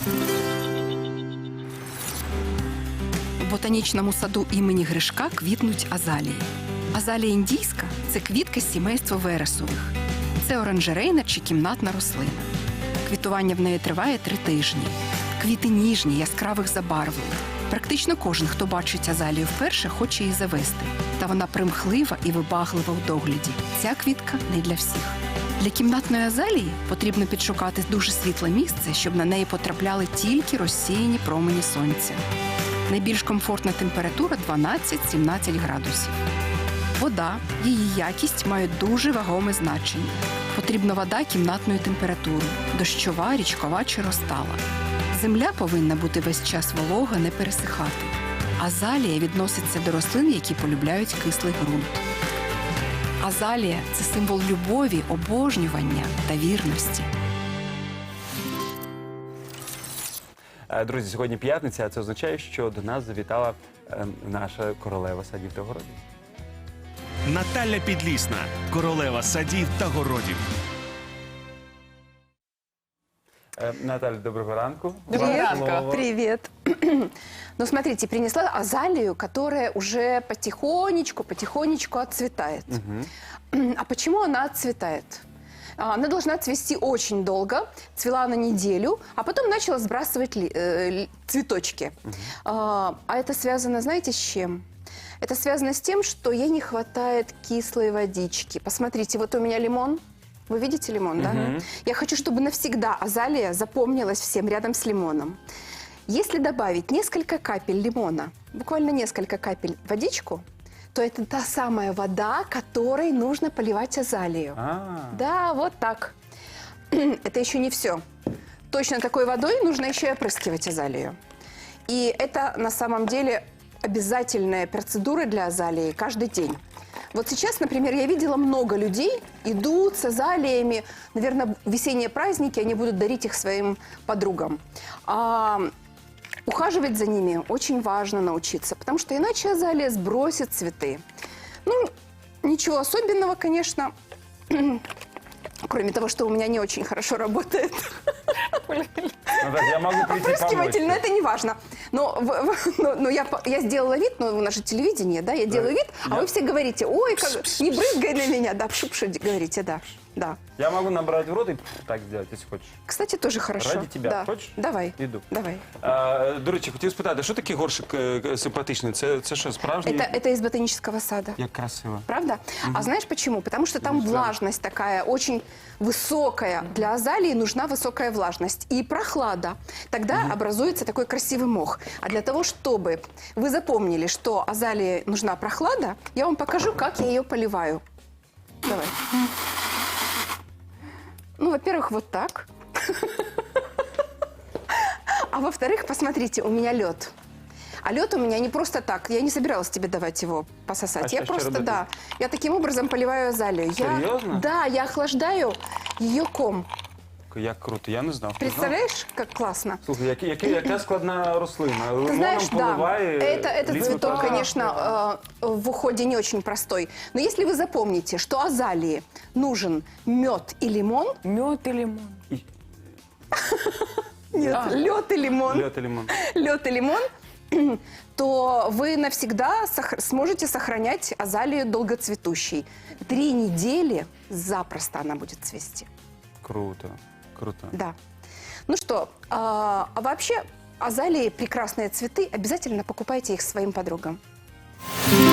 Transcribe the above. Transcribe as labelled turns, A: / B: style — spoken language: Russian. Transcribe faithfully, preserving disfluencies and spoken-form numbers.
A: У ботанічному саду імені Гришка квітнуть азалії. Азалія індійська – це квітка з сімейства вересових. Це оранжерейна чи кімнатна рослина. Квітування в неї триває три тижні. Квіти ніжні, яскравих забарвлень. Практично кожен, хто бачить азалію вперше, хоче її завести. Та вона примхлива і вибаглива у догляді. Ця квітка не для всіх. Для кімнатної азалії потрібно підшукати дуже світле місце, щоб на неї потрапляли тільки розсіяні промені сонця. Найбільш комфортна температура дванадцять-сімнадцять градусів. Вода, її якість мають дуже вагоме значення. Потрібна вода кімнатної температури – дощова, річкова чи розтала. Земля повинна бути весь час волога, не пересихати. Азалія відноситься до рослин, які полюбляють кислий ґрунт. Азалія – це символ любові, обожнювання та вірності.
B: Друзі, сьогодні п'ятниця, а це означає, що до нас завітала е, наша королева садів та городів.
C: Наталя Підлісна, королева садів та городів.
B: Е, Наталя, доброго ранку.
D: Доброго
B: Вам
D: ранку.
B: слово.
D: Привет. Ну, смотрите, принесла азалию, которая уже потихонечку, потихонечку отцветает.
B: Мгм.
D: А почему она отцветает? А, Она должна цвести очень долго, цвела на неделю, а потом начала сбрасывать ли- э, ли- цветочки. А, а это связано, знаете, с чем? Это связано с тем, что ей не хватает кислой водички. Посмотрите, вот у меня лимон. Вы видите лимон, да?
B: Мгм.
D: Я хочу, чтобы навсегда азалия запомнилась всем рядом с лимоном. Если добавить несколько капель лимона, буквально несколько капель в водичку, то это та самая вода, которой нужно поливать азалию.
B: А,
D: Да, вот так. Это еще не все. Точно такой водой нужно еще и опрыскивать азалию. И это на самом деле обязательная процедура для азалии каждый день. Вот сейчас, например, я видела много людей идут с азалиями. Наверное, весенние праздники, они будут дарить их своим подругам. А ухаживать за ними очень важно научиться, потому что иначе азалия сбросит цветы. Ну, ничего особенного, конечно, кроме того, что у меня не очень хорошо работает
B: Наталя, я могу прийти
D: опрыскиватель, но
B: помочь.
D: это не важно. Но, в- в- но- но я, по- я сделала вид, но у нас же телевидение, да, я делаю вид, а
B: Я-
D: вы все говорите, ой, как, не брызгай на меня, да, пшу-пшу говорите, да, да.
B: Я могу набрать в рот и так сделать, если хочешь.
D: Кстати, тоже хорошо.
B: Ради тебя.
D: Да.
B: Хочешь?
D: Давай,
B: Иду.
D: давай.
B: А, до речі, хотів спитати, що такий горшик е, симпатичний? Це, це що, справжній?
D: Это, это из ботанического сада.
B: Як красиво.
D: Правда? А знаешь почему? Потому что там
B: Ну, да.
D: влажность такая очень высокая. Для азалии нужна высокая влажность и прохлада. Тогда образуется такой красивый мох. А для того, чтобы вы запомнили, что азалии нужна прохлада, я вам покажу, как я ее поливаю. Давай. Ну, во-первых, вот так. А во-вторых, посмотрите, у меня лед. А лед у меня не просто так. Я не собиралась тебе давать его пососать.
B: А
D: я
B: что- что
D: просто,
B: работать?
D: да. Я таким образом поливаю азалию. Я-
B: Серьезно?
D: Да, я охлаждаю ее ком.
B: Як круто, я не знав. Ти знав?
D: Представляешь, как классно?
B: Слухай, які, які, яка складна рослина.
D: Ты
B: Лимоном
D: знаешь, да,
B: поливає,
D: это, этот
B: ліс
D: цветок,
B: випадає.
D: конечно, э, в уходе не очень простой. Но если вы запомните, что азалии нужен мед и лимон,
E: Мед и лимон.
B: І-
D: нет, лед и лимон,
B: Льот і лимон.
D: лед и лимон, то вы навсегда сох- сможете сохранять азалию долгоцветущей. Три недели запросто она будет цвести.
B: Круто, круто.
D: Да. Ну что, а, а вообще азалии прекрасные цветы, обязательно покупайте их своим подругам.